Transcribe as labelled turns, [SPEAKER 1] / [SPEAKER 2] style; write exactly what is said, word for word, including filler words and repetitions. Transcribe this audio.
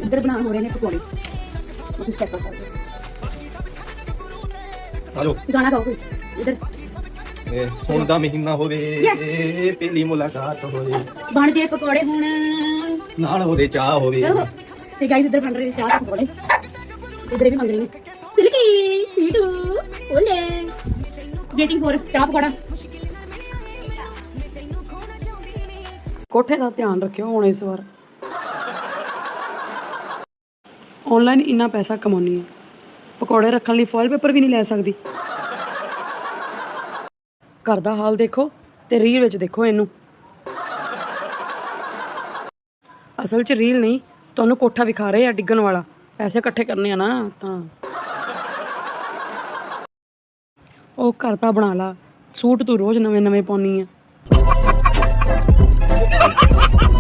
[SPEAKER 1] इधर बना हो रहे हैं पकौड़े, तुम चेक कर सकते हो।
[SPEAKER 2] हेलो
[SPEAKER 1] गाना गाओ कोई इधर।
[SPEAKER 2] ए सोन दा महीना होवे पहली मुलाकात होवे
[SPEAKER 1] बन गए पकौड़े हुण
[SPEAKER 2] नाल ओदे चाह होवे
[SPEAKER 1] ते गाइस इधर बन रहे हैं चाह पकौड़े, इधर भी मंग रही हूं सिल्की सीटू ओले वेटिंग फॉर चाह पकौड़ा।
[SPEAKER 3] ਕੋਠੇ ਦਾ ਧਿਆਨ ਰੱਖਿਓ ਹੁਣ ਇਸ ਵਾਰ ਆਨਲਾਈਨ ਇੰਨਾ ਪੈਸਾ ਕਮਾਉਣੀ ਆ, ਪਕੌੜੇ ਰੱਖਣ ਲਈ ਫੋਇਲ ਪੇਪਰ ਵੀ ਨਹੀਂ ਲੈ ਸਕਦੀ। ਘਰ ਦਾ ਹਾਲ ਦੇਖੋ ਤੇ ਰੀਲ ਵਿੱਚ ਦੇਖੋ ਇਹਨੂੰ। ਅਸਲ 'ਚ ਰੀਲ ਨਹੀਂ, ਤੁਹਾਨੂੰ ਕੋਠਾ ਵਿਖਾ ਰਹੇ ਆ ਡਿੱਗਣ ਵਾਲਾ। ਪੈਸੇ ਇਕੱਠੇ ਕਰਨੇ ਆ ਨਾ ਤਾਂ ਉਹ ਘਰ ਤਾਂ ਬਣਾ ਲਾ, ਸੂਟ ਤੂੰ ਰੋਜ਼ ਨਵੇਂ ਨਵੇਂ ਪਾਉਣੀ ਆ।